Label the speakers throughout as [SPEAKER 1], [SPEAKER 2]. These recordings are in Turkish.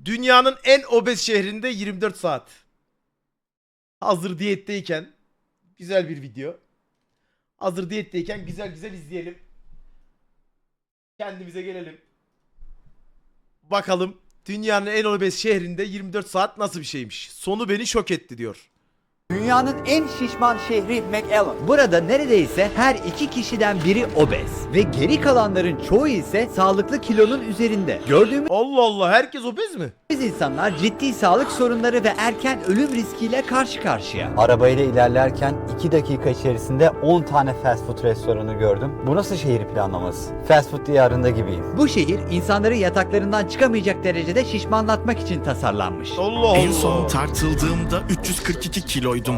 [SPEAKER 1] Dünyanın en obez şehrinde 24 saat. Hazır diyetteyken güzel bir video. Hazır diyetteyken güzel güzel izleyelim. Kendimize gelelim. Bakalım dünyanın en obez şehrinde 24 saat nasıl bir şeymiş. Sonu beni şok etti diyor.
[SPEAKER 2] Dünyanın en şişman şehri McAllen. Burada neredeyse her iki kişiden biri obez ve geri kalanların çoğu ise sağlıklı kilonun üzerinde. Gördüğümüz
[SPEAKER 1] Allah Allah, herkes obez mi?
[SPEAKER 2] insanlar ciddi sağlık sorunları ve erken ölüm riskiyle karşı karşıya.
[SPEAKER 3] Arabayla ilerlerken 2 dakika içerisinde 10 tane fast food restoranı gördüm. Bu nasıl şehir planlaması? Fast food diyarında gibiyim.
[SPEAKER 2] Bu şehir insanları yataklarından çıkamayacak derecede şişmanlatmak için tasarlanmış.
[SPEAKER 1] Allah Allah.
[SPEAKER 4] En son tartıldığımda 342 kiloydum.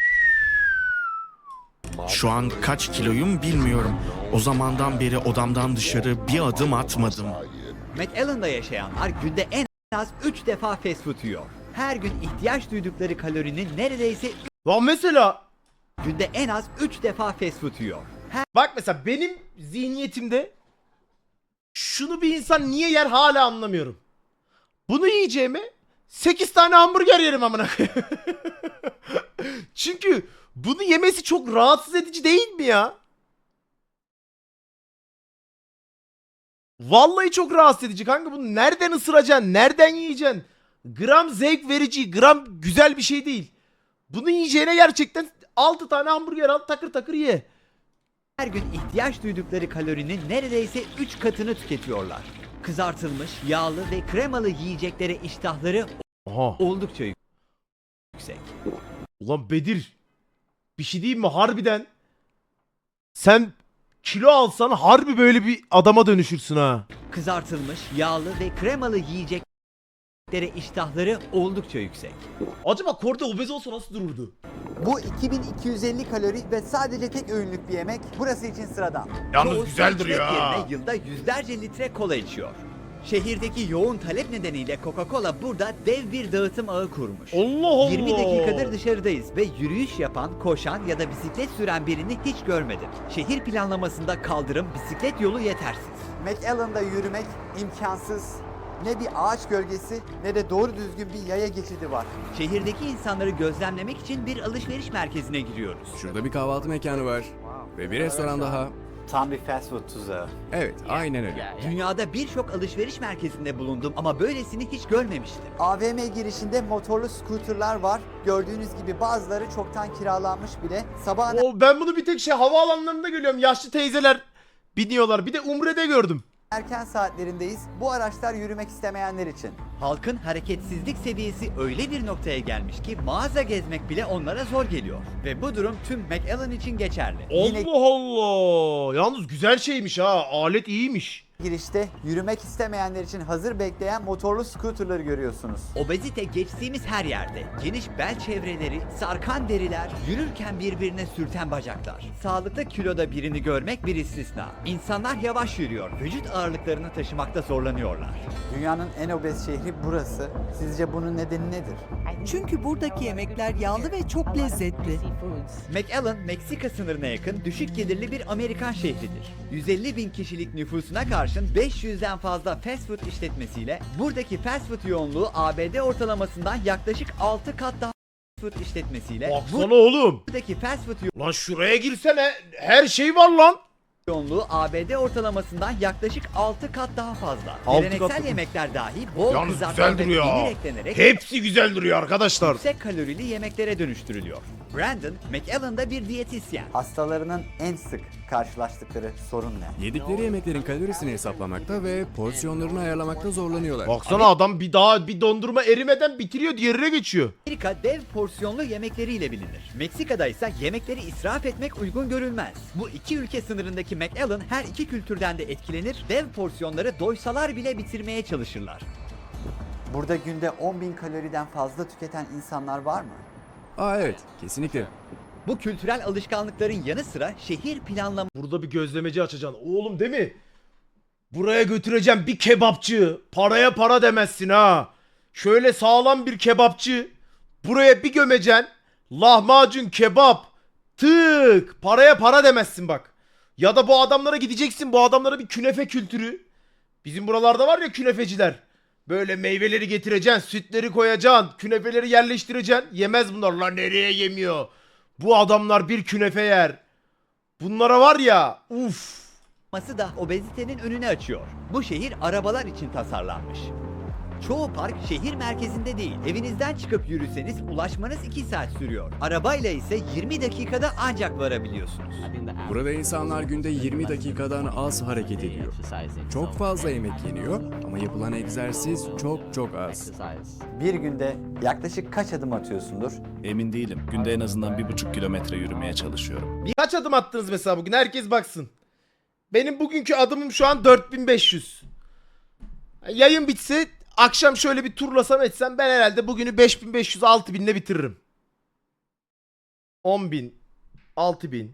[SPEAKER 4] Şu an kaç kiloyum bilmiyorum. O zamandan beri odamdan dışarı bir adım atmadım.
[SPEAKER 2] McAllen'da yaşayanlar günde en az 3 defa fast food yiyor. Her gün ihtiyaç duydukları kalorinin neredeyse
[SPEAKER 1] Lan mesela
[SPEAKER 2] günde en az 3 defa fast food yiyor.
[SPEAKER 1] bak, mesela benim zihniyetimde şunu bir insan niye yer hala anlamıyorum. Bunu yiyeceğime 8 tane hamburger yerim amına koyayım. Çünkü bunu yemesi çok rahatsız edici değil mi ya? Vallahi çok rahatsız edici kanka. Bunu nereden ısıracaksın? Nereden yiyeceksin? Gram zevk verici, gram güzel bir şey değil. Bunu yiyeceğine gerçekten 6 tane hamburger al, takır takır ye.
[SPEAKER 2] Her gün ihtiyaç duydukları kalorinin neredeyse 3 katını tüketiyorlar. Kızartılmış, yağlı ve kremalı yiyeceklere iştahları
[SPEAKER 1] Aha.
[SPEAKER 2] oldukça yüksek.
[SPEAKER 1] Ulan Bedir, bir şey diyeyim mi harbiden? Sen kilo alsan harbi böyle bir adama dönüşürsün ha.
[SPEAKER 2] Kızartılmış, yağlı ve kremalı yiyeceklere iştahları oldukça yüksek.
[SPEAKER 1] Acaba Korda obez olsa nasıl dururdu?
[SPEAKER 2] Bu 2250 kalori ve sadece tek öğünlük bir yemek burası için sıradan.
[SPEAKER 1] Yalnız
[SPEAKER 2] Çoğu
[SPEAKER 1] güzel
[SPEAKER 2] su
[SPEAKER 1] duruyor
[SPEAKER 2] içmek
[SPEAKER 1] ha.
[SPEAKER 2] yerine yılda yüzlerce litre kola içiyor. Şehirdeki yoğun talep nedeniyle Coca-Cola burada dev bir dağıtım ağı kurmuş.
[SPEAKER 1] Allah Allah.
[SPEAKER 2] 20 dakikadır dışarıdayız ve yürüyüş yapan, koşan ya da bisiklet süren birini hiç görmedim. Şehir planlamasında kaldırım, bisiklet yolu yetersiz.
[SPEAKER 5] McAllen'da yürümek imkansız. Ne bir ağaç gölgesi ne de doğru düzgün bir yaya geçidi var.
[SPEAKER 2] Şehirdeki insanları gözlemlemek için bir alışveriş merkezine giriyoruz.
[SPEAKER 6] Şurada bir kahvaltı mekanı var. Ve bir restoran daha.
[SPEAKER 3] Tam bir fast food tuzağı.
[SPEAKER 6] Evet, aynen öyle.
[SPEAKER 2] Dünyada birçok alışveriş merkezinde bulundum ama böylesini hiç görmemiştim.
[SPEAKER 5] AVM girişinde motorlu scooterlar var. Gördüğünüz gibi bazıları çoktan kiralanmış bile. Sabahın
[SPEAKER 1] Ben bunu bir tek havaalanlarında görüyorum. Yaşlı teyzeler biniyorlar. Bir de Umre'de gördüm.
[SPEAKER 5] erken saatlerindeyiz. Bu araçlar yürümek istemeyenler için.
[SPEAKER 2] Halkın hareketsizlik seviyesi öyle bir noktaya gelmiş ki mağaza gezmek bile onlara zor geliyor. Ve bu durum tüm McAllen için geçerli.
[SPEAKER 1] Allah Allah. Yalnız güzel şeymiş ha. Alet iyiymiş.
[SPEAKER 5] Girişte yürümek istemeyenler için hazır bekleyen motorlu scooterları görüyorsunuz.
[SPEAKER 2] Obezite geçtiğimiz her yerde. Geniş bel çevreleri, sarkan deriler, yürürken birbirine sürten bacaklar. Sağlıklı kiloda birini görmek bir istisna. İnsanlar yavaş yürüyor, vücut ağırlıklarını taşımakta zorlanıyorlar.
[SPEAKER 5] Dünyanın en obez şehri burası. Sizce bunun nedeni nedir?
[SPEAKER 7] Çünkü buradaki yemekler yağlı ve çok lezzetli.
[SPEAKER 2] McAllen, Meksika sınırına yakın düşük gelirli bir Amerikan şehridir. 150 bin kişilik nüfusuna karşın 500'den fazla fast food işletmesiyle buradaki fast food yoğunluğu ABD ortalamasından yaklaşık 6 kat daha fast food işletmesiyle
[SPEAKER 1] Baksana oğlum.
[SPEAKER 2] buradaki fast food
[SPEAKER 1] Lan şuraya girsene. Her şey var lan.
[SPEAKER 2] yoğunluğu ABD ortalamasından yaklaşık 6 kat daha fazla.
[SPEAKER 1] 6
[SPEAKER 2] Geleneksel
[SPEAKER 1] kat-
[SPEAKER 2] yemekler dahi bol
[SPEAKER 1] Yalnız
[SPEAKER 2] kızartma
[SPEAKER 1] güzel
[SPEAKER 2] ve
[SPEAKER 1] duruyor
[SPEAKER 2] peynir
[SPEAKER 1] ha.
[SPEAKER 2] eklenerek
[SPEAKER 1] Hepsi güzel duruyor arkadaşlar.
[SPEAKER 2] yüksek kalorili yemeklere dönüştürülüyor. Brandon, McAllen'da bir diyetisyen.
[SPEAKER 5] Hastalarının en sık karşılaştıkları sorun ne?
[SPEAKER 6] Yedikleri yemeklerin kalorisini hesaplamakta ve porsiyonlarını ayarlamakta zorlanıyorlar.
[SPEAKER 1] Baksana adam bir dondurma erimeden bitiriyor, diğerine geçiyor.
[SPEAKER 2] Amerika dev porsiyonlu yemekleriyle bilinir. Meksika'da ise yemekleri israf etmek uygun görülmez. Bu iki ülke sınırındaki McAllen her iki kültürden de etkilenir, dev porsiyonları doysalar bile bitirmeye çalışırlar.
[SPEAKER 5] Burada günde 10.000 kaloriden fazla tüketen insanlar var mı?
[SPEAKER 6] Aa evet, kesinlikle.
[SPEAKER 2] Bu kültürel alışkanlıkların yanı sıra şehir planlaması
[SPEAKER 1] Burada bir gözlemeci açacaksın. Oğlum değil mi? Buraya götüreceğim bir kebapçı. Paraya para demezsin ha. Şöyle sağlam bir kebapçı. Buraya bir gömeceksin. Lahmacun, kebap. Tık. Paraya para demezsin bak. Ya da bu adamlara gideceksin. Bu adamlara bir künefe kültürü. Bizim buralarda var ya künefeciler. Böyle meyveleri getireceksin, sütleri koyacaksın, künefeleri yerleştireceksin. Yemez bunlar. Lan nereye yemiyor? Bu adamlar bir künefe yer. Bunlara var ya, uf.
[SPEAKER 2] olması da obezitenin önünü açıyor. Bu şehir arabalar için tasarlanmış. Çoğu park şehir merkezinde değil. Evinizden çıkıp yürüseniz ulaşmanız 2 saat sürüyor. Arabayla ise 20 dakikada ancak varabiliyorsunuz.
[SPEAKER 6] Burada insanlar günde 20 dakikadan az hareket ediyor. Çok fazla yemek yeniyor ama yapılan egzersiz çok az.
[SPEAKER 3] Bir günde yaklaşık kaç adım atıyorsundur?
[SPEAKER 8] Emin değilim. Günde en azından 1,5 kilometre yürümeye çalışıyorum.
[SPEAKER 1] Kaç adım attınız mesela bugün? Herkes baksın. Benim bugünkü adımım şu an 4500. Yayın bitse akşam şöyle bir turlasam etsem ben herhalde bugünü 5500-6000 ile bitiririm. 10.000, 6.000,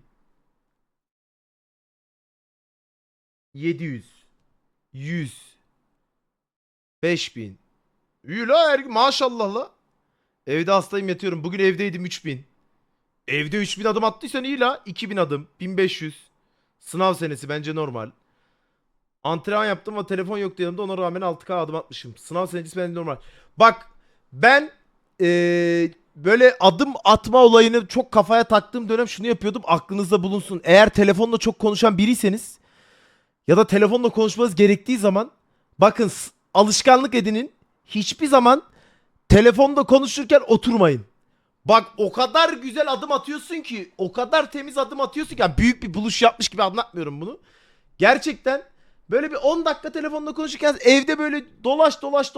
[SPEAKER 1] 700, 100, 5000. İyi la maşallah la. Evde hastayım yatıyorum. Bugün evdeydim 3000. Evde 3000 adım attıysan iyi la. 2000 adım, 1500. Sınav senesi bence normal. Antrenman yaptım ama telefon yoktu yanımda, ona rağmen 6K adım atmışım. Sınav senesi bence normal. Bak ben böyle adım atma olayını çok kafaya taktığım dönem şunu yapıyordum, aklınızda bulunsun. Eğer telefonla çok konuşan biriyseniz ya da telefonla konuşmanız gerektiği zaman bakın alışkanlık edinin, hiçbir zaman telefonda konuşurken oturmayın. Bak o kadar güzel adım atıyorsun ki, o kadar temiz adım atıyorsun ki, yani büyük bir buluş yapmış gibi anlatmıyorum bunu. Gerçekten böyle bir 10 dakika telefonla konuşurken evde böyle dolaş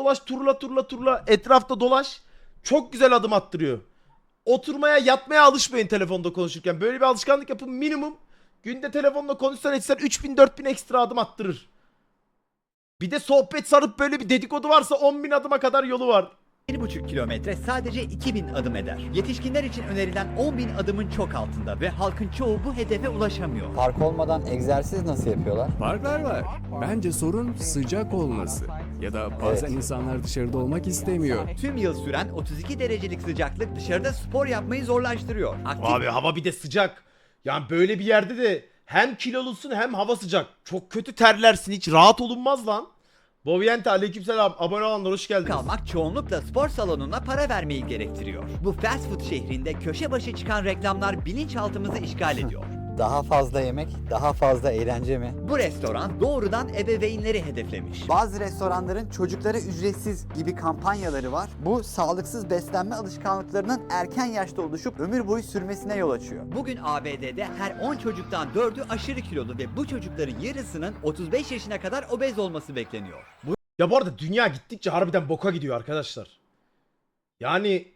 [SPEAKER 1] turla etrafta dolaş. Çok güzel adım attırıyor. Oturmaya yatmaya alışmayın telefonda konuşurken. Böyle bir alışkanlık yapın, minimum. Günde telefonla konuşsan etsen 3000-4000 ekstra adım attırır. Bir de sohbet sarıp böyle bir dedikodu varsa 10.000 adıma kadar yolu var.
[SPEAKER 2] 1,5 kilometre sadece 2000 adım eder. Yetişkinler için önerilen 10.000 adımın çok altında ve halkın çoğu bu hedefe ulaşamıyor.
[SPEAKER 3] Park olmadan egzersiz nasıl yapıyorlar?
[SPEAKER 6] Parklar var. Bence sorun sıcak olması. Ya da bazen
[SPEAKER 3] Evet.
[SPEAKER 6] insanlar dışarıda olmak istemiyor.
[SPEAKER 2] Tüm yıl süren 32 derecelik sıcaklık dışarıda spor yapmayı zorlaştırıyor. Aktif
[SPEAKER 1] Abi hava bir de sıcak. Yani böyle bir yerde de hem kilolusun hem hava sıcak. Çok kötü terlersin, hiç rahat olunmaz lan. Boviente aleykümselam, abone olanlar hoş geldiniz.
[SPEAKER 2] kalmak çoğunlukla spor salonuna para vermeyi gerektiriyor. Bu fast food şehrinde köşe başı çıkan reklamlar bilinçaltımızı işgal ediyor.
[SPEAKER 3] Daha fazla yemek, daha fazla eğlence mi?
[SPEAKER 2] Bu restoran doğrudan ebeveynleri hedeflemiş.
[SPEAKER 5] Bazı restoranların çocuklara ücretsiz gibi kampanyaları var. Bu sağlıksız beslenme alışkanlıklarının erken yaşta oluşup ömür boyu sürmesine yol açıyor.
[SPEAKER 2] Bugün ABD'de her 10 çocuktan 4'ü aşırı kilolu ve bu çocukların yarısının 35 yaşına kadar obez olması bekleniyor.
[SPEAKER 1] Ya bu arada dünya gittikçe harbiden boka gidiyor arkadaşlar. Yani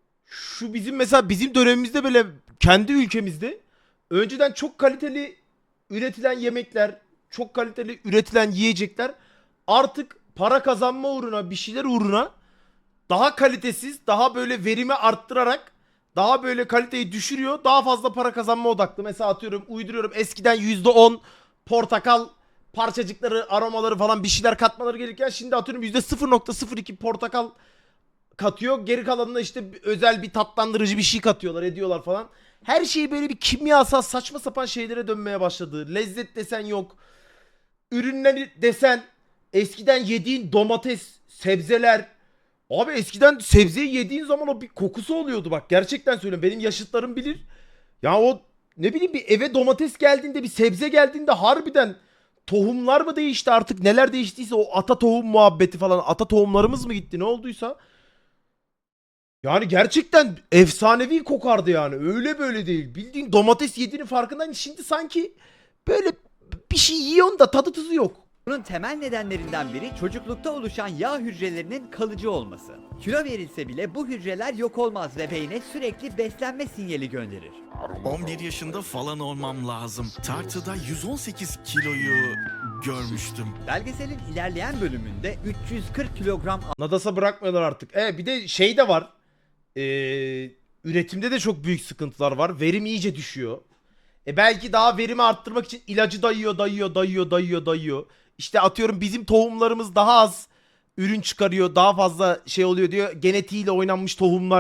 [SPEAKER 1] şu bizim mesela bizim dönemimizde böyle kendi ülkemizde önceden çok kaliteli üretilen yemekler, çok kaliteli üretilen yiyecekler artık para kazanma uğruna, bir şeyler uğruna daha kalitesiz, daha böyle verimi arttırarak daha böyle kaliteyi düşürüyor. Daha fazla para kazanma odaklı. Mesela atıyorum, uyduruyorum, eskiden %10 portakal parçacıkları, aromaları falan bir şeyler katmaları gerekirken şimdi atıyorum %0.02 portakal katıyor. Geri kalanına işte özel bir tatlandırıcı bir şey katıyorlar, ediyorlar falan. Her şey böyle bir kimyasal saçma sapan şeylere dönmeye başladı. Lezzet desen yok. Ürünleri desen eskiden yediğin domates, sebzeler. Abi eskiden sebzeyi yediğin zaman o bir kokusu oluyordu bak. Gerçekten söylüyorum. Benim yaşıtlarım bilir. Ya o ne bileyim, bir eve domates geldiğinde, bir sebze geldiğinde harbiden tohumlar mı değişti artık, neler değiştiyse, o ata tohum muhabbeti falan, ata tohumlarımız mı gitti ne olduysa. Yani gerçekten efsanevi kokardı yani. Öyle böyle değil. Bildiğin domates yediğinin farkındayım. Şimdi sanki böyle bir şey yiyorsun da tadı tuzu yok.
[SPEAKER 2] Bunun temel nedenlerinden biri çocuklukta oluşan yağ hücrelerinin kalıcı olması. Kilo verilse bile bu hücreler yok olmaz ve beyne sürekli beslenme sinyali gönderir.
[SPEAKER 4] 11 yaşında falan olmam lazım. Tartıda 118 kiloyu görmüştüm.
[SPEAKER 2] Belgeselin ilerleyen bölümünde 340 kilogram
[SPEAKER 1] Nadas'a bırakmıyorlar artık. Bir de şey de var. Üretimde de çok büyük sıkıntılar var. Verim iyice düşüyor. Belki daha verimi arttırmak için ilacı dayıyor. İşte atıyorum bizim tohumlarımız daha az ürün çıkarıyor, daha fazla şey oluyor diyor. Genetiğiyle oynanmış tohumlar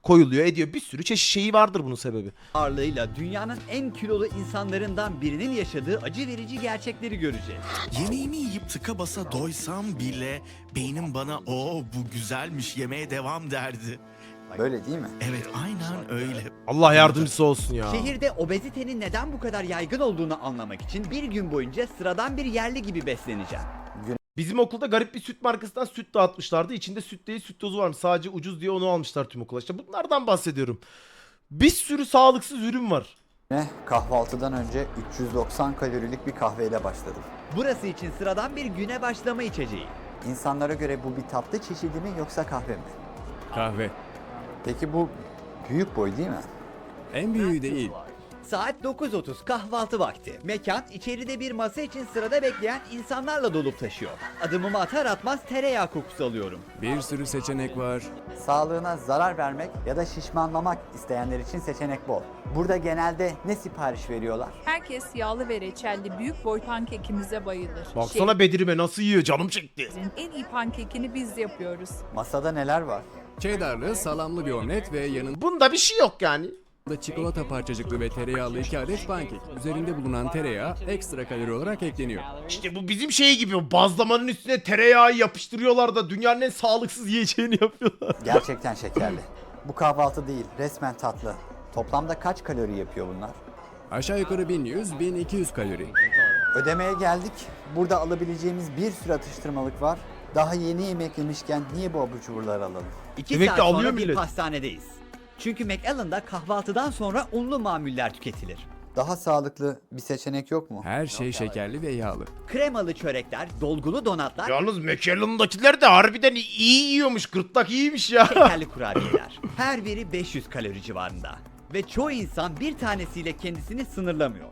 [SPEAKER 1] koyuluyor ediyor. Bir sürü çeşit şeyi vardır bunun sebebi.
[SPEAKER 2] ağırlığıyla dünyanın en kilolu insanlarından birinin yaşadığı acı verici gerçekleri göreceğiz.
[SPEAKER 4] Yemeğimi yiyip tıka basa doysam bile beynim bana "o bu güzelmiş, yemeğe devam" derdi.
[SPEAKER 5] Böyle değil mi?
[SPEAKER 4] Evet, aynen öyle.
[SPEAKER 1] Allah yardımcısı olsun ya.
[SPEAKER 2] Şehirde obezitenin neden bu kadar yaygın olduğunu anlamak için bir gün boyunca sıradan bir yerli gibi besleneceğim.
[SPEAKER 1] Bizim okulda garip bir süt markasından süt dağıtmışlardı. İçinde süt değil süt tozu varmış. Sadece ucuz diye onu almışlar tüm okula. İşte bunlardan bahsediyorum. Bir sürü sağlıksız ürün var.
[SPEAKER 5] Kahvaltıdan önce 390 kalorilik bir kahveyle başladım.
[SPEAKER 2] Burası için sıradan bir güne başlama içeceği.
[SPEAKER 5] İnsanlara göre bu bir tatlı çeşidi mi yoksa kahve mi?
[SPEAKER 6] Kahve.
[SPEAKER 5] Peki bu büyük boy değil mi?
[SPEAKER 6] En büyüğü değil.
[SPEAKER 2] Saat 9:30 kahvaltı vakti. Mekan içeride bir masa için sırada bekleyen insanlarla dolup taşıyor. Adımımı atar atmaz tereyağı kokusu alıyorum.
[SPEAKER 6] Bir sürü seçenek var.
[SPEAKER 5] Sağlığına zarar vermek ya da şişmanlamak isteyenler için seçenek bol. Burada genelde ne sipariş veriyorlar?
[SPEAKER 9] Herkes yağlı ve reçelli büyük boy pankekimize bayılır.
[SPEAKER 1] Baksana Bedirime nasıl yiyor, canım çekti.
[SPEAKER 9] Şehrin en iyi pankekini biz yapıyoruz.
[SPEAKER 5] Masada neler var?
[SPEAKER 6] Cheddarlı, salamlı bir omlet ve yanında
[SPEAKER 1] Bunda bir şey yok yani.
[SPEAKER 6] çikolata parçacıklı ve tereyağlı 2 adet pankek. Üzerinde bulunan tereyağı ekstra kalori olarak ekleniyor.
[SPEAKER 1] İşte bu bizim şey gibi, o bazlamanın üstüne tereyağı yapıştırıyorlar da dünyanın en sağlıksız yiyeceğini yapıyorlar.
[SPEAKER 5] Gerçekten şekerli. Bu kahvaltı değil, resmen tatlı. Toplamda kaç kalori yapıyor bunlar?
[SPEAKER 6] Aşağı yukarı 1100-1200 kalori.
[SPEAKER 5] Ödemeye geldik. Burada alabileceğimiz bir sürü atıştırmalık var. Daha yeni yemek yemişken niye bu abur cuburları alalım?
[SPEAKER 2] 2
[SPEAKER 1] Demek
[SPEAKER 2] saat
[SPEAKER 1] ki
[SPEAKER 2] sonra
[SPEAKER 1] alıyor
[SPEAKER 2] bir
[SPEAKER 1] millet.
[SPEAKER 2] pastanedeyiz. Çünkü McAllen'da kahvaltıdan sonra unlu mamuller tüketilir.
[SPEAKER 5] Daha sağlıklı bir seçenek yok mu?
[SPEAKER 6] Her şey şekerli ve yağlı.
[SPEAKER 2] Kremalı çörekler, dolgulu donatlar,
[SPEAKER 1] Yalnız McAllen'dakiler de harbiden iyi yiyormuş. Gırtlak iyiymiş ya.
[SPEAKER 2] şekerli kurabiyeler. Her biri 500 kalori civarında. Ve çoğu insan bir tanesiyle kendisini sınırlamıyor.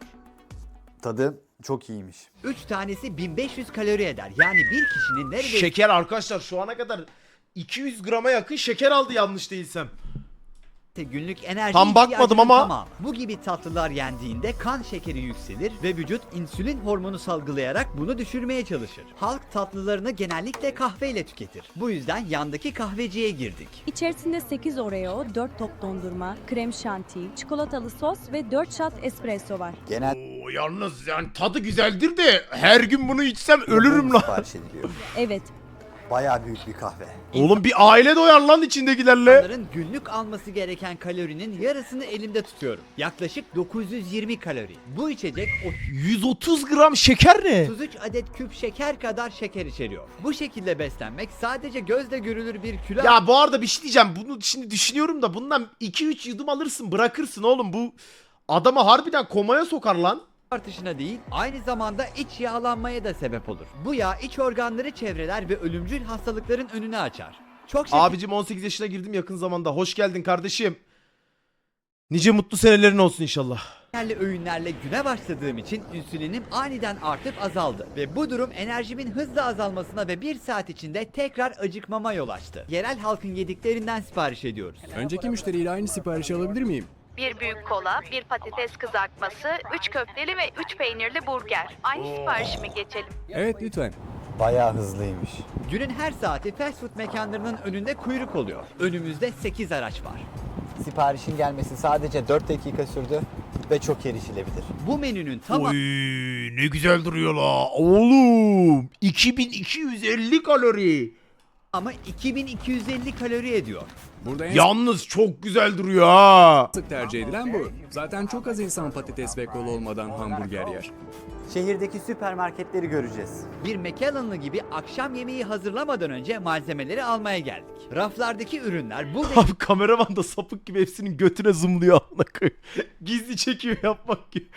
[SPEAKER 5] Tadı çok iyiymiş.
[SPEAKER 2] 3 tanesi 1500 kalori eder. Yani bir kişinin neredeyse
[SPEAKER 1] Şeker arkadaşlar şu ana kadar 200 grama yakın şeker aldı yanlış değilsem.
[SPEAKER 2] günlük enerji
[SPEAKER 1] Tam bakmadım
[SPEAKER 2] ihtiyacının
[SPEAKER 1] ama-
[SPEAKER 2] tamamı. Bu gibi tatlılar yendiğinde kan şekeri yükselir ve vücut insülin hormonu salgılayarak bunu düşürmeye çalışır. Halk tatlılarını genellikle kahveyle tüketir. Bu yüzden yandaki kahveciye girdik.
[SPEAKER 10] İçerisinde 8 Oreo, 4 top dondurma, krem şanti, çikolatalı sos ve 4 shot espresso var.
[SPEAKER 5] Genelde
[SPEAKER 1] Oo, yalnız yani tadı güzeldir de her gün bunu içsem ölürüm lan.
[SPEAKER 5] sipariş ediliyor.
[SPEAKER 10] Evet,
[SPEAKER 5] Bayağı büyük bir kahve.
[SPEAKER 1] Oğlum bir aile doyar lan içindekilerle.
[SPEAKER 2] İnsanların günlük alması gereken kalorinin yarısını elimde tutuyorum. Yaklaşık 920 kalori. Bu içecek
[SPEAKER 1] 130 gram şeker ne?
[SPEAKER 2] 33 adet küp şeker kadar şeker içeriyor. Bu şekilde beslenmek sadece gözle görülür bir kilo
[SPEAKER 1] Ya bu arada bir şey diyeceğim. Bunu şimdi düşünüyorum da bundan 2-3 yudum alırsın bırakırsın oğlum. Bu adamı harbiden komaya sokar lan.
[SPEAKER 2] artışına değil, aynı zamanda iç yağlanmaya da sebep olur. Bu yağ iç organları çevreler ve ölümcül hastalıkların önünü açar. Çok
[SPEAKER 1] Abicim 18 yaşına girdim yakın zamanda. Hoş geldin kardeşim. Nice mutlu senelerin olsun inşallah.
[SPEAKER 2] şekerli öğünlerle güne başladığım için insülinim aniden artıp azaldı. Ve bu durum enerjimin hızla azalmasına ve 1 saat içinde tekrar acıkmama yol açtı. Yerel halkın yediklerinden sipariş ediyoruz.
[SPEAKER 6] Önceki müşteriyle aynı siparişi alabilir miyim?
[SPEAKER 9] Bir büyük kola, bir patates kızartması, 3 köfteli ve 3 peynirli burger. Aynı siparişimi geçelim.
[SPEAKER 6] Evet lütfen.
[SPEAKER 5] Bayağı hızlıymış.
[SPEAKER 2] Günün her saati fast food mekanlarının önünde kuyruk oluyor. Önümüzde 8 araç var.
[SPEAKER 5] Siparişin gelmesi sadece 4 dakika sürdü ve çok erişilebilir.
[SPEAKER 2] Bu menünün
[SPEAKER 1] Oy
[SPEAKER 2] tamamı
[SPEAKER 1] ne güzel duruyor la. Oğlum 2250 kalori.
[SPEAKER 2] 2250 kalori ediyor.
[SPEAKER 6] Burada en
[SPEAKER 1] Yalnız çok güzel duruyor ha.
[SPEAKER 6] sık tercih edilen bu. Zaten çok az insan patates ve kola olmadan hamburger yer.
[SPEAKER 5] Şehirdeki süpermarketleri göreceğiz.
[SPEAKER 2] Bir McAllen'lı gibi akşam yemeği hazırlamadan önce malzemeleri almaya geldik. Raflardaki ürünler buradaki
[SPEAKER 1] Abi kameraman da sapık gibi hepsinin götüne zoomluyor amına koyayım. Gizli çekiyor yapmak gibi.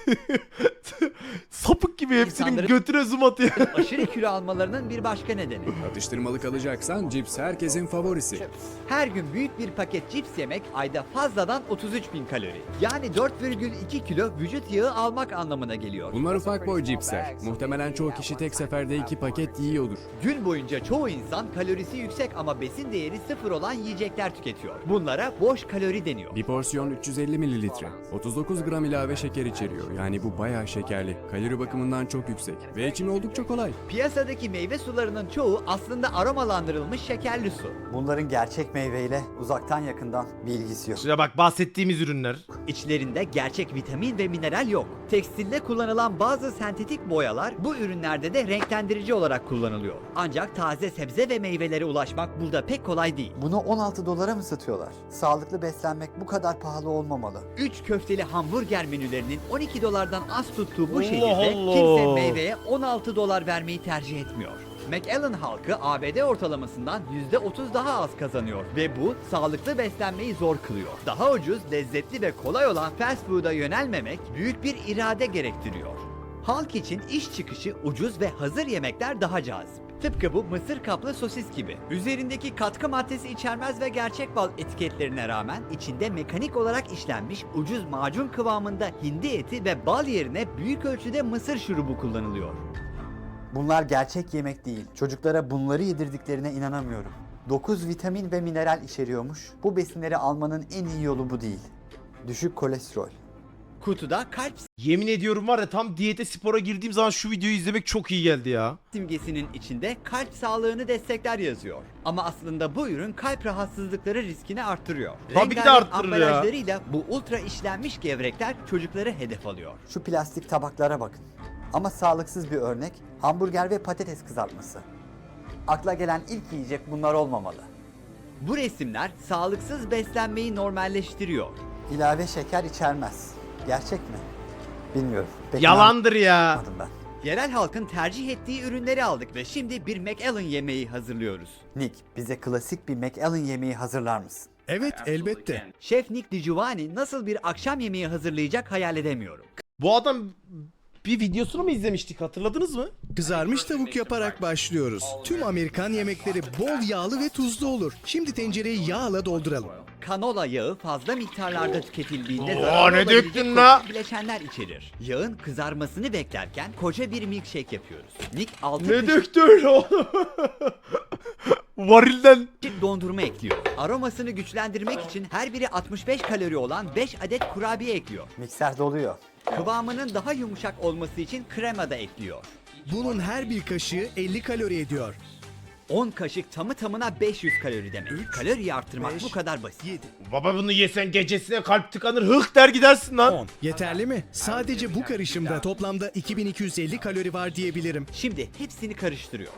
[SPEAKER 1] Sapık gibi hepsinin
[SPEAKER 2] İnsanların-
[SPEAKER 1] götüne zoom atıyor.
[SPEAKER 2] aşırı kilo almalarının bir başka nedeni.
[SPEAKER 6] Atıştırmalık alacaksan cips herkesin favorisi.
[SPEAKER 2] Her gün büyük bir paket cips yemek ayda fazladan 33.000 kalori. Yani 4,2 kilo vücut yağı almak anlamına geliyor.
[SPEAKER 6] Bunları ufak boy cipsler. Muhtemelen çoğu kişi tek seferde 2 paket yiyordur.
[SPEAKER 2] Gün boyunca çoğu insan kalorisi yüksek ama besin değeri sıfır olan yiyecekler tüketiyor. Bunlara boş kalori deniyor.
[SPEAKER 6] Bir porsiyon 350 mililitre. 39 gram ilave şeker içeriyor. Yani bu bayağı şekerli. Kalori bakımından çok yüksek. Ve içimi oldukça kolay.
[SPEAKER 2] Piyasadaki meyve sularının çoğu aslında aromalandırılmış şekerli su.
[SPEAKER 3] Bunların gerçek meyveyle uzaktan yakından bir ilgisi yok.
[SPEAKER 1] Şuraya bak, bahsettiğimiz ürünler.
[SPEAKER 2] İçlerinde gerçek vitamin ve mineral yok. Tekstilde kullanılan bazı sentetik boyalar bu ürünlerde de renklendirici olarak kullanılıyor. Ancak taze sebze ve meyvelere ulaşmak burada pek kolay değil.
[SPEAKER 5] Bunu 16 dolara mı satıyorlar? Sağlıklı beslenmek bu kadar pahalı olmamalı.
[SPEAKER 2] 3 köfteli hamburger menülerinin 12 dolardan az tuttuğu bu
[SPEAKER 1] Allah
[SPEAKER 2] şehirde
[SPEAKER 1] Allah.
[SPEAKER 2] kimse meyveye 16 dolar vermeyi tercih etmiyor. McAllen halkı ABD ortalamasından %30 daha az kazanıyor ve bu sağlıklı beslenmeyi zor kılıyor. Daha ucuz, lezzetli ve kolay olan fast food'a yönelmemek büyük bir irade gerektiriyor. Halk için iş çıkışı ucuz ve hazır yemekler daha cazip. Tıpkı bu mısır kaplı sosis gibi. Üzerindeki katkı maddesi içermez ve gerçek bal etiketlerine rağmen içinde mekanik olarak işlenmiş ucuz macun kıvamında hindi eti ve bal yerine büyük ölçüde mısır şurubu kullanılıyor.
[SPEAKER 5] Bunlar gerçek yemek değil. Çocuklara bunları yedirdiklerine inanamıyorum. 9 vitamin ve mineral içeriyormuş. Bu besinleri almanın en iyi yolu bu değil. Düşük kolesterol.
[SPEAKER 2] Kutuda kalp
[SPEAKER 1] Yemin ediyorum var ya, tam diyete spora girdiğim zaman şu videoyu izlemek çok iyi geldi ya.
[SPEAKER 2] simgesinin içinde kalp sağlığını destekler yazıyor. Ama aslında bu ürün kalp rahatsızlıkları riskini arttırıyor.
[SPEAKER 1] Tabii ki de
[SPEAKER 2] Rengarenk
[SPEAKER 1] arttırır ya.
[SPEAKER 2] ambalajlarıyla bu ultra işlenmiş gevrekler çocukları hedef alıyor.
[SPEAKER 5] Şu plastik tabaklara bakın. Ama sağlıksız bir örnek hamburger ve patates kızartması. Akla gelen ilk yiyecek bunlar olmamalı.
[SPEAKER 2] Bu resimler sağlıksız beslenmeyi normalleştiriyor.
[SPEAKER 5] İlave şeker içermez. Gerçek mi? Bilmiyorum. Pek
[SPEAKER 1] Yalandır ya.
[SPEAKER 5] anlamadım ben.
[SPEAKER 2] Yerel halkın tercih ettiği ürünleri aldık ve şimdi bir McAllen yemeği hazırlıyoruz.
[SPEAKER 5] Nick, bize klasik bir McAllen yemeği hazırlar mısın?
[SPEAKER 6] Evet, elbette.
[SPEAKER 2] Şef Nick DiGiovanni nasıl bir akşam yemeği hazırlayacak hayal edemiyorum.
[SPEAKER 1] Bu adam bir videosunu mu izlemiştik, hatırladınız mı?
[SPEAKER 11] Kızarmış tavuk yaparak başlıyoruz. Tüm Amerikan yemekleri bol yağlı ve tuzlu olur. Şimdi tencereyi yağla dolduralım.
[SPEAKER 2] Kanola yağı fazla miktarlarda tüketildiğinde
[SPEAKER 1] Oo,
[SPEAKER 2] zararlı
[SPEAKER 1] ne
[SPEAKER 2] olabilecek
[SPEAKER 1] döktün la?
[SPEAKER 2] toksik bileşenler içerir. Yağın kızarmasını beklerken koca bir milkshake yapıyoruz. Nick 6
[SPEAKER 1] Ne döktü öyle oğlum? Varilden.
[SPEAKER 2] kaşık dondurma ekliyor. Aromasını güçlendirmek için her biri 65 kalori olan 5 adet kurabiye ekliyor.
[SPEAKER 5] Mikser doluyor.
[SPEAKER 2] Kıvamının daha yumuşak olması için krema da ekliyor.
[SPEAKER 11] Bunun her bir kaşığı 50 kalori ediyor.
[SPEAKER 2] 10 kaşık tamı tamına 500 kalori demek. Kaloriyi arttırmak bu kadar basit.
[SPEAKER 11] 7,
[SPEAKER 1] Baba bunu yesen gecesine kalp tıkanır, hıh der gidersin lan.
[SPEAKER 11] 10. Yeterli mi? Sadece bu karışımda toplamda 2250 kalori var diyebilirim.
[SPEAKER 2] Şimdi hepsini karıştırıyor.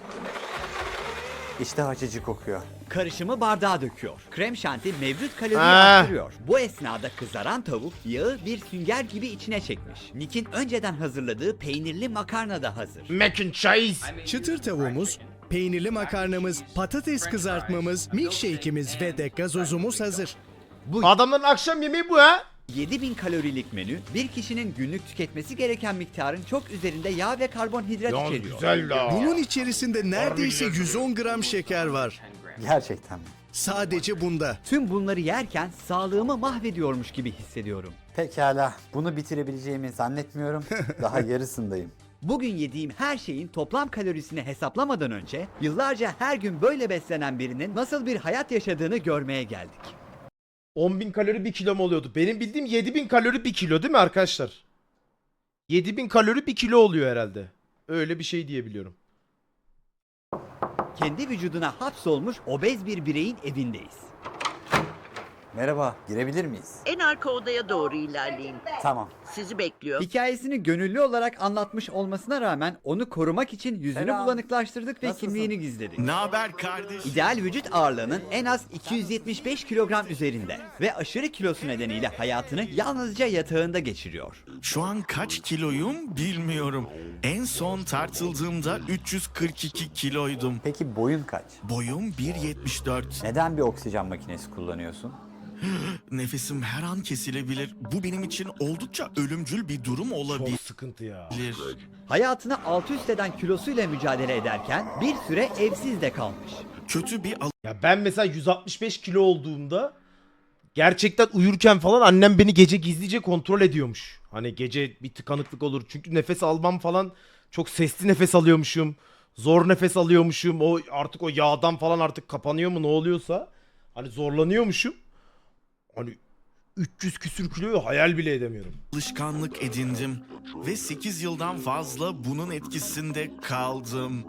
[SPEAKER 5] İşte açıcı kokuyor.
[SPEAKER 2] Karışımı bardağa döküyor. Krem şanti mevcut kaloriyi
[SPEAKER 1] Ah.
[SPEAKER 2] arttırıyor. Bu esnada kızaran tavuk yağı bir sünger gibi içine çekmiş. Nick'in önceden hazırladığı peynirli makarna da hazır.
[SPEAKER 1] Mac and cheese.
[SPEAKER 11] Çıtır tavuğumuz, peynirli makarnamız, patates kızartmamız, milkshake'imiz ve de gazozumuz hazır.
[SPEAKER 1] Adamların akşam yemeği bu ha.
[SPEAKER 2] 7000 kalorilik menü bir kişinin günlük tüketmesi gereken miktarın çok üzerinde yağ ve karbonhidrat
[SPEAKER 1] Lan
[SPEAKER 2] içeriyor.
[SPEAKER 1] güzel la.
[SPEAKER 11] Bunun içerisinde neredeyse 110 gram şeker var.
[SPEAKER 5] Gerçekten mi?
[SPEAKER 11] Sadece bunda.
[SPEAKER 2] Tüm bunları yerken sağlığımı mahvediyormuş gibi hissediyorum.
[SPEAKER 5] Pekala. Bunu bitirebileceğimi zannetmiyorum. Daha yarısındayım.
[SPEAKER 2] Bugün yediğim her şeyin toplam kalorisini hesaplamadan önce yıllarca her gün böyle beslenen birinin nasıl bir hayat yaşadığını görmeye geldik.
[SPEAKER 1] 10.000 kalori 1 kilo mu oluyordu? Benim bildiğim 7.000 kalori 1 kilo değil mi arkadaşlar? 7.000 kalori 1 kilo oluyor herhalde. Öyle bir şey diyebiliyorum.
[SPEAKER 2] Kendi vücuduna hapsolmuş obez bir bireyin evindeyiz.
[SPEAKER 5] Merhaba, girebilir miyiz?
[SPEAKER 12] En arka odaya doğru ilerleyin.
[SPEAKER 5] Tamam.
[SPEAKER 12] Sizi bekliyor.
[SPEAKER 2] Hikayesini gönüllü olarak anlatmış olmasına rağmen onu korumak için yüzünü
[SPEAKER 5] Selam.
[SPEAKER 2] bulanıklaştırdık ve
[SPEAKER 5] Nasılsın?
[SPEAKER 2] kimliğini gizledik.
[SPEAKER 4] Ne haber kardeş?
[SPEAKER 2] İdeal vücut ağırlığının en az 275 kilogram üzerinde ve aşırı kilosu nedeniyle hayatını yalnızca yatağında geçiriyor.
[SPEAKER 4] Şu an kaç kiloyum bilmiyorum. En son tartıldığımda 342 kiloydum.
[SPEAKER 5] Peki boyun kaç?
[SPEAKER 4] Boyum 1.74.
[SPEAKER 3] Neden bir oksijen makinesi kullanıyorsun?
[SPEAKER 4] Nefesim her an kesilebilir. Bu benim için oldukça ölümcül bir durum olabilir.
[SPEAKER 1] Çok sıkıntı ya.
[SPEAKER 2] Hayatını alt üst eden kilosuyla mücadele ederken bir süre evsiz de kalmış.
[SPEAKER 4] Kötü bir
[SPEAKER 1] Ya ben mesela 165 kilo olduğumda gerçekten uyurken falan annem beni gece gizlice kontrol ediyormuş. Hani gece bir tıkanıklık olur. Çünkü nefes almam falan çok sesli nefes alıyormuşum. Zor nefes alıyormuşum. O artık o yağdan falan artık kapanıyor mu ne oluyorsa. Hani zorlanıyormuşum. Hani 300 küsür kiloyu hayal bile edemiyorum.
[SPEAKER 4] Alışkanlık edindim ve 8 yıldan fazla bunun etkisinde kaldım.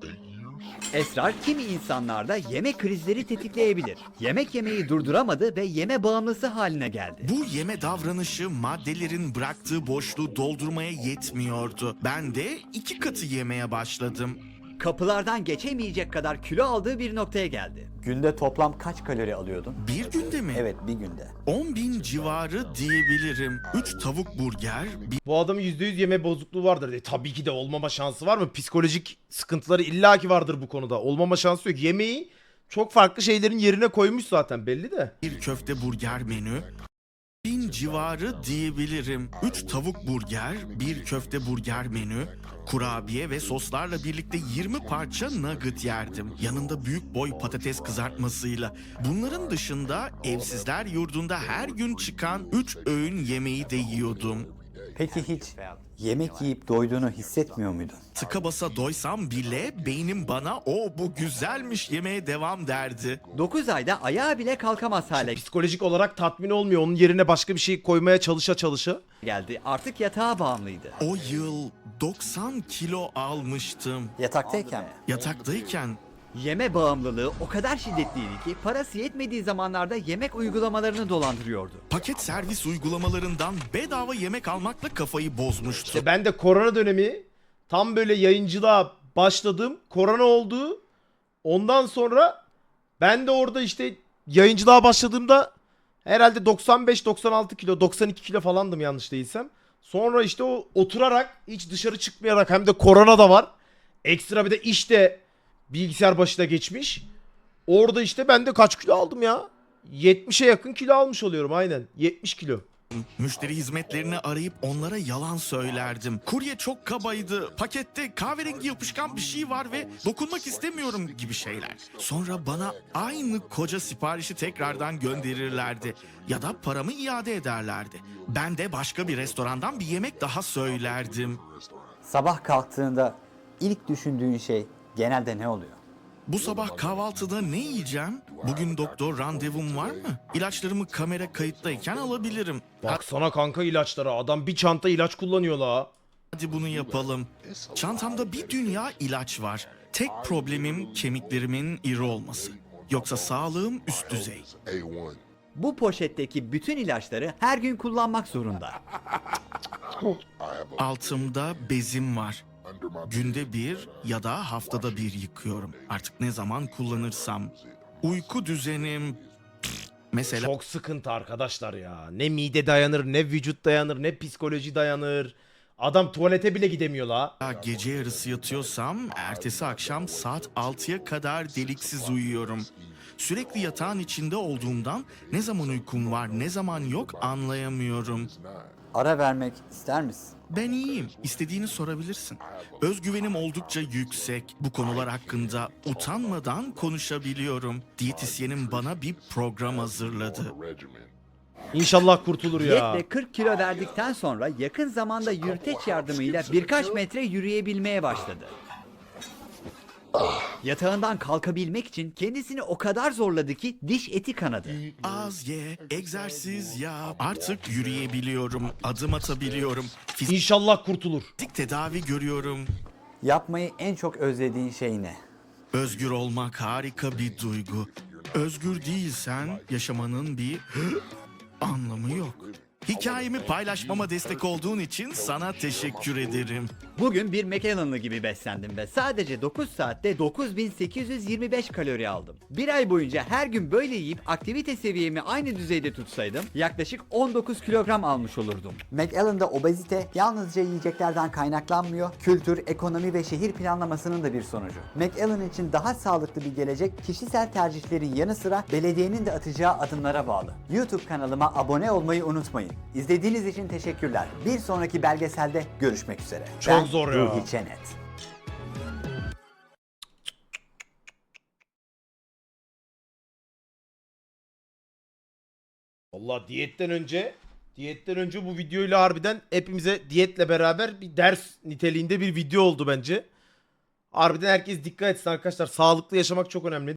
[SPEAKER 2] Esrar kimi insanlarda yemek krizleri tetikleyebilir. Yemek yemeyi durduramadı ve yeme bağımlısı haline geldi.
[SPEAKER 4] Bu yeme davranışı maddelerin bıraktığı boşluğu doldurmaya yetmiyordu. Ben de 2 katı yemeye başladım.
[SPEAKER 2] Kapılardan geçemeyecek kadar kilo aldığı bir noktaya geldi.
[SPEAKER 3] Günde toplam kaç kalori alıyordun?
[SPEAKER 4] Bir günde mi?
[SPEAKER 3] Evet, bir günde.
[SPEAKER 4] 10.000 civarı diyebilirim. 3 tavuk burger,
[SPEAKER 1] Bu adamın %100 yeme bozukluğu vardır. Tabii ki de olmama şansı var mı? Psikolojik sıkıntıları illaki vardır bu konuda. Olmama şansı yok. Yemeği çok farklı şeylerin yerine koymuş zaten belli de.
[SPEAKER 4] bir köfte burger menü, 1000 civarı diyebilirim. 3 tavuk burger, bir köfte burger menü, kurabiye ve soslarla birlikte 20 parça nugget yerdim. Yanında büyük boy patates kızartmasıyla. Bunların dışında evsizler yurdunda her gün çıkan 3 öğün yemeği de yiyordum.
[SPEAKER 3] Peki hiç yemek yiyip doyduğunu hissetmiyor muydun?
[SPEAKER 4] Tıka basa doysam bile beynim bana "o bu güzelmiş" yemeye devam derdi.
[SPEAKER 2] 9 ayda ayağa bile kalkamaz hale
[SPEAKER 1] Psikolojik olarak tatmin olmuyor. Onun yerine başka bir şey koymaya çalışa.
[SPEAKER 2] geldi. Artık yatağa bağımlıydı.
[SPEAKER 4] O yıl 90 kilo almıştım.
[SPEAKER 3] Yataktayken mi?
[SPEAKER 4] Yataktayken
[SPEAKER 2] Yeme bağımlılığı o kadar şiddetliydi ki parası yetmediği zamanlarda yemek uygulamalarını dolandırıyordu.
[SPEAKER 4] paket servis uygulamalarından bedava yemek almakla kafayı bozmuştu.
[SPEAKER 1] İşte ben de korona dönemi tam böyle yayıncılığa başladım. Korona oldu. Ondan sonra ben de orada işte yayıncılığa başladığımda herhalde 95-96 kilo, 92 kilo falandım yanlış değilsem. Sonra işte o oturarak hiç dışarı çıkmayarak hem de korona da var. Ekstra bir de işte bilgisayar başına geçmiş. Orada işte ben de kaç kilo aldım ya? 70'e yakın kilo almış oluyorum aynen. 70 kilo.
[SPEAKER 4] Müşteri hizmetlerini arayıp onlara yalan söylerdim. Kurye çok kabaydı, pakette kahverengi yapışkan bir şey var ve dokunmak istemiyorum gibi şeyler. Sonra bana aynı koca siparişi tekrardan gönderirlerdi ya da paramı iade ederlerdi. Ben de başka bir restorandan bir yemek daha söylerdim.
[SPEAKER 3] Sabah kalktığında ilk düşündüğün şey genelde ne oluyor?
[SPEAKER 4] Bu sabah kahvaltıda ne yiyeceğim? Bugün doktor randevum var mı? İlaçlarımı kamera kayıttayken alabilirim.
[SPEAKER 1] Baksana kanka ilaçlara. Adam bir çanta ilaç kullanıyor la.
[SPEAKER 4] Hadi bunu yapalım. Çantamda bir dünya ilaç var. Tek problemim kemiklerimin iri olması. Yoksa sağlığım üst düzey.
[SPEAKER 2] Bu poşetteki bütün ilaçları her gün kullanmak zorunda.
[SPEAKER 4] Altımda bezim var. Günde bir ya da haftada bir yıkıyorum. Artık ne zaman kullanırsam. Uyku düzenim... Mesela
[SPEAKER 1] Çok sıkıntı arkadaşlar ya. Ne mide dayanır, ne vücut dayanır, ne psikoloji dayanır. Adam tuvalete bile gidemiyor la.
[SPEAKER 4] gece yarısı yatıyorsam ertesi akşam saat 6'ya kadar deliksiz uyuyorum. Sürekli yatağın içinde olduğumdan ne zaman uykum var ne zaman yok anlayamıyorum.
[SPEAKER 3] Ara vermek ister misin?
[SPEAKER 4] Ben iyiyim. İstediğini sorabilirsin. Özgüvenim oldukça yüksek. Bu konular hakkında utanmadan konuşabiliyorum. Diyetisyenim bana bir program hazırladı.
[SPEAKER 1] İnşallah kurtulur ya.
[SPEAKER 2] Diyetle 40 kilo verdikten sonra yakın zamanda yürüteç yardımıyla birkaç metre yürüyebilmeye başladı. Yatağından kalkabilmek için kendisini o kadar zorladı ki diş eti kanadı.
[SPEAKER 4] Az ye, egzersiz yap. Artık yürüyebiliyorum, adım atabiliyorum.
[SPEAKER 1] İnşallah kurtulur.
[SPEAKER 4] Fizik tedavi görüyorum.
[SPEAKER 3] Yapmayı en çok özlediğin şey ne?
[SPEAKER 4] Özgür olmak harika bir duygu. Özgür değilsen yaşamanın bir anlamı yok. Hikayemi paylaşmama destek olduğun için sana teşekkür ederim.
[SPEAKER 2] Bugün bir McAllen'lı gibi beslendim ve sadece 9 saatte 9825 kalori aldım. Bir ay boyunca her gün böyle yiyip aktivite seviyemi aynı düzeyde tutsaydım yaklaşık 19 kilogram almış olurdum.
[SPEAKER 5] McAllen'da obezite yalnızca yiyeceklerden kaynaklanmıyor, kültür, ekonomi ve şehir planlamasının da bir sonucu. McAllen için daha sağlıklı bir gelecek kişisel tercihlerin yanı sıra belediyenin de atacağı adımlara bağlı. YouTube kanalıma abone olmayı unutmayın. İzlediğiniz için teşekkürler. Bir sonraki belgeselde görüşmek üzere.
[SPEAKER 1] Çok zor ya.
[SPEAKER 5] Ruhi Çenet.
[SPEAKER 1] Allah diyetten önce Diyetten önce bu videoyla harbiden hepimize diyetle beraber bir ders niteliğinde bir video oldu bence. Harbiden herkes dikkat etsin arkadaşlar. Sağlıklı yaşamak çok önemli.